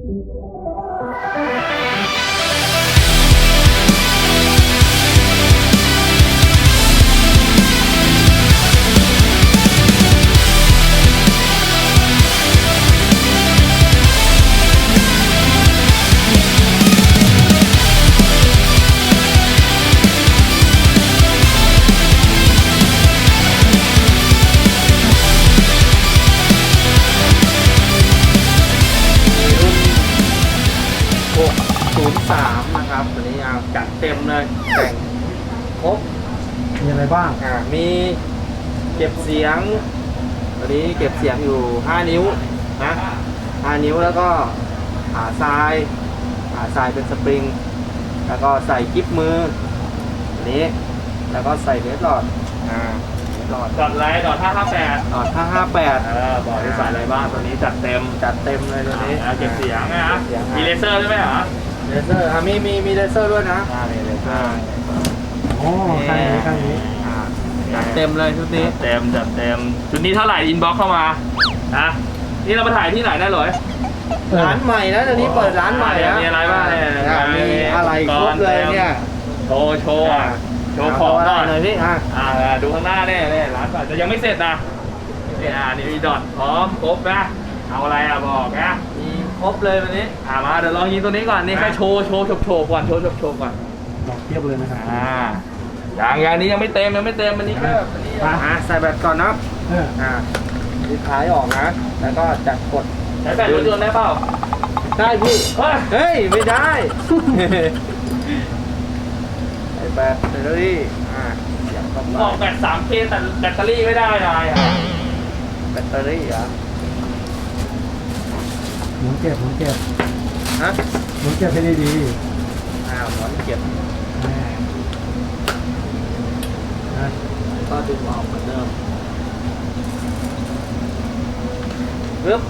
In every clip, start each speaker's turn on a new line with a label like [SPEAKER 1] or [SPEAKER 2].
[SPEAKER 1] 603นะครับตัวนี้เอาจัดเต็มเลยแต่งครบ
[SPEAKER 2] มีอะไรบ้าง
[SPEAKER 1] มีเก็บเสียงตัวนี้เก็บเสียงอยู่5นิ้วนะ5นิ้วแล้วก็ขาทรายเป็นสปริงแล้วก็ใส่กิ๊บมือตัวนี้แล้วก็ใส่เวทหลอด
[SPEAKER 3] ดอทไลท์ดอท558
[SPEAKER 1] ดอท558
[SPEAKER 3] บอกที่ใส่อะไรบ้างตัวนี้จัดเต็ม
[SPEAKER 1] เลยตัวนี้
[SPEAKER 3] เก็บเสียงนะมีเลเซอร์ด้วยไหมเหรอ
[SPEAKER 1] เลเซอร์มีเลเซอร์ด้วยนะ
[SPEAKER 3] มีเลเซอร์
[SPEAKER 2] โอ้ข้างนี้
[SPEAKER 1] จัดเต็มเลยชุดนี้
[SPEAKER 3] จัดเต็มชุดนี้เท่าไหร่อินบ็อกเข้ามานะนี่เรามาถ่ายที่ไหนได้เลย
[SPEAKER 1] ร้านใหม่นะตอนนี้เปิดร้านใหม่นะ
[SPEAKER 3] มีอะไรบ้างเนี่ย
[SPEAKER 1] มีอะไรครบเลยเนี่ย
[SPEAKER 3] โชว์ของ
[SPEAKER 1] หน่อยพี่
[SPEAKER 3] ดูข้างหน้าเนี่ยร้านก่อนจะยังไม่เสร็จนะนี่มีดอทพร้อมครบนะเอาอะไรบอกนะ
[SPEAKER 1] มีครบเลยวันนี้
[SPEAKER 3] มาเดี๋ยวลองยิงตัวนี้ก่อนนี่แค่โชว์ก่อนโชว์ก่อน
[SPEAKER 2] ดอกเทียบเลยนะครับ
[SPEAKER 3] อย่างนี้ยังไม่เต็มมันนี้ก็
[SPEAKER 1] ใส่แบตก่อนนะดีท้ายออกนะแล้วก็จัดกด
[SPEAKER 3] ใช้แบตรถยนต์ได้เปล่า
[SPEAKER 1] ได้พี่เฮ้ยไม่ได้ใส่แบตแบตเตอรี่
[SPEAKER 3] บอกแบต 3K แต่แบตเตอรี่ไม่ได้นาย
[SPEAKER 1] แบตเตอรี่
[SPEAKER 2] หมุนเก็บ
[SPEAKER 1] ฮะ
[SPEAKER 2] หมุนเก็บให้ดี
[SPEAKER 1] หมุนเก็บก็ดึงออกเหมือนเดิมปึ๊บ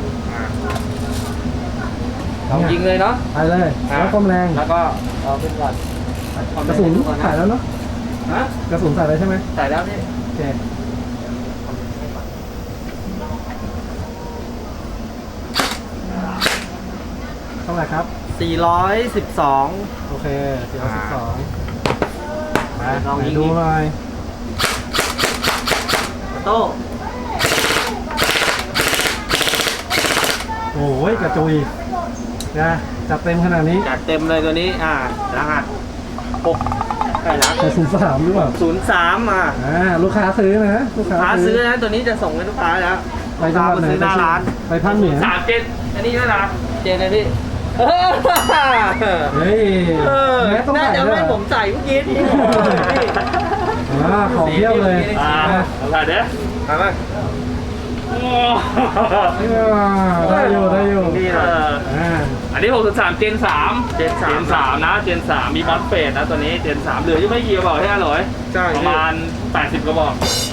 [SPEAKER 1] เรายิงเลยเนาะ
[SPEAKER 2] ไปเลยแล้วก้มแรง
[SPEAKER 1] แล้วก็เอาขึ้นก่อน
[SPEAKER 2] กระสุนใส่แล้วเนาะกระสุนใส่แล้วใช่ไหม
[SPEAKER 1] ใส่แล้วพี่
[SPEAKER 2] โอเคเท่าไหร่ครับ
[SPEAKER 1] 412
[SPEAKER 2] โอเค412ลองยิงดูหน่อย
[SPEAKER 1] โต้
[SPEAKER 2] โอ้ยกระจุยนะจัดเต็มขนาดนี้
[SPEAKER 1] จัดเต็มเลยตัวนี้รหัส6ใกล้ละ
[SPEAKER 2] 03หรือเปล่า
[SPEAKER 1] 03
[SPEAKER 2] ลูกค้าซื้อนะลูกค้า
[SPEAKER 1] ซื้อนะตัวนี้จะส่งให้ลูกค้าแล้ว
[SPEAKER 2] ไปจังหวัดไหน
[SPEAKER 1] หน้าร้าน
[SPEAKER 2] ไปภาคเหนือ
[SPEAKER 3] 3 เจนอันนี้ด้วยนะ
[SPEAKER 1] เจนเลยพี่
[SPEAKER 2] เฮ้ย
[SPEAKER 1] น่าจะไม่ผมใส่เมื่อกี้ที่
[SPEAKER 2] ของเที่ยวเลย
[SPEAKER 3] ถ่ายเด้
[SPEAKER 1] ถ่ายมา
[SPEAKER 2] ได้อยู่
[SPEAKER 3] อันนี้603 เจน 3นะเจน 3มีมอสเฟสนะตัวนี้เจน 3เหลือยังไม่กี่กระบอกใช่ไหมหรอประมาณ80 กระบอก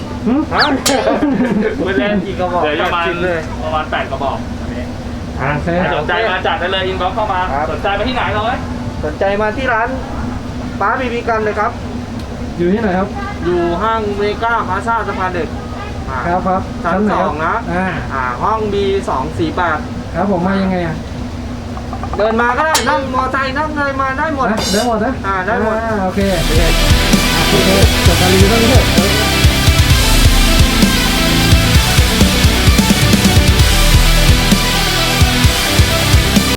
[SPEAKER 3] ไม่เล่น
[SPEAKER 1] กี่กระบอก
[SPEAKER 3] เหลือประมาณ8 กระบอกสนใจมาจัดได้เลยอินบ็อกเข้ามาสนใจมาที่ไหนเลย
[SPEAKER 1] สนใจมาที่ร้านป้าบีบีกันเลยครับ
[SPEAKER 2] อยู่ที่ไหนครับ
[SPEAKER 1] อยู่ห้างเมกาพาซ่าสะพานเด็ก
[SPEAKER 2] ครับ
[SPEAKER 1] ชั้น2นะห้อง B248
[SPEAKER 2] ครับผมมายังไง
[SPEAKER 1] เดินมาก็ได้นั่งมอเตอร์ไซค์นั่งอะไรมาได้หมด
[SPEAKER 2] ได้หมดนะ
[SPEAKER 1] ได้หมด
[SPEAKER 2] โอเคจบการรีวิวเท่านี้เถอะ